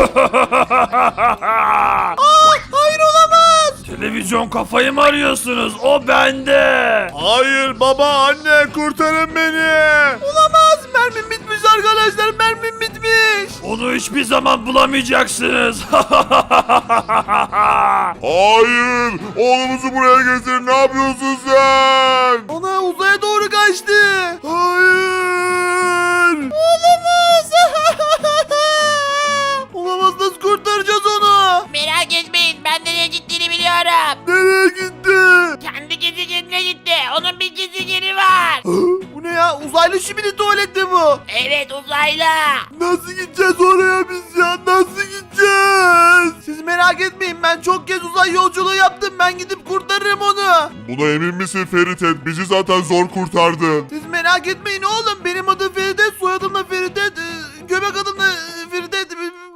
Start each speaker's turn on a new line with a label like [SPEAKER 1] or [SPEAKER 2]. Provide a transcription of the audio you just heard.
[SPEAKER 1] Hayır olamaz.
[SPEAKER 2] Televizyon kafayı mı arıyorsunuz? O bende.
[SPEAKER 3] Hayır baba, anne, kurtarın beni.
[SPEAKER 1] Olamaz. Mermim bitmiş arkadaşlar. Mermim bitmiş.
[SPEAKER 2] Onu hiçbir zaman bulamayacaksınız.
[SPEAKER 3] Hayır, oğlumuzu buraya getir. Ne yapıyorsun sen?
[SPEAKER 1] Ana uzaya doğru kaçtı.
[SPEAKER 3] Hayır.
[SPEAKER 1] Olamaz. Olamaz, nasıl kurtaracağız onu?
[SPEAKER 4] Merak etmeyin, ben nereye gittiğini biliyorum.
[SPEAKER 3] Nereye gitti?
[SPEAKER 4] Kendi gezegenine gitti. Onun bir gezegeni var.
[SPEAKER 1] Bu ne ya? Uzaylı şimdi tuvalette bu.
[SPEAKER 4] Evet, uzaylı.
[SPEAKER 3] Nasıl gideceğiz oraya biz ya? Nasıl gideceğiz?
[SPEAKER 1] Siz merak etmeyin, ben çok kez uzay yolculuğu yaptım. Ben gidip kurtarırım onu.
[SPEAKER 3] Buna emin misin Ferit? Bizi zaten zor kurtardın.
[SPEAKER 1] Siz merak etmeyin oğlum. Benim adım Ferit